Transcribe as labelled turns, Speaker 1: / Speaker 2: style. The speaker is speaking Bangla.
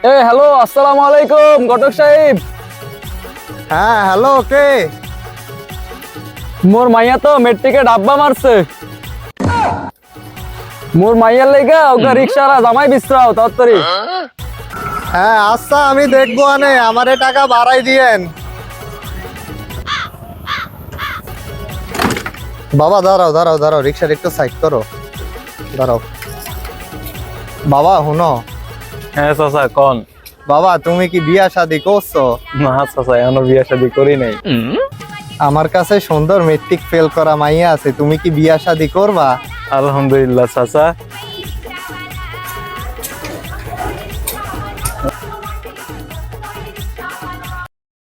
Speaker 1: হ্যালো, আসসালামু আলাইকুম ঘটক সাহেব।
Speaker 2: হ্যাঁ হ্যালো, কে?
Speaker 1: মোর মাইয়া তো মেট্রিকে ডাব্বা মারছে। মোর মাইয়ার লাইগা ওকে রিকশারা জামাই বিশ্রাও তাড়াতাড়ি।
Speaker 2: হ্যাঁ আচ্ছা, আমি দেখবো। আমারে টাকা বাড়াই দিয়েন। বাবা দাঁড়াও দাঁড়াও দাঁড়াও, রিক্সার একটু সাইড করো, দাঁড়াও। বাবা হুনো,
Speaker 1: হ্যাঁ চাচা কোন?
Speaker 2: বাবা তুমি কি বিয়া শাদি করছো?
Speaker 1: না চাচা, এখনো বিয়ে শাদী করি নাই।
Speaker 2: আমার কাছে সুন্দর মেট্রিক ফেল করা মাইয়া আছে, তুমি কি বিয়া শাদি করবা?
Speaker 1: আলহামদুলিল্লাহ চাচা,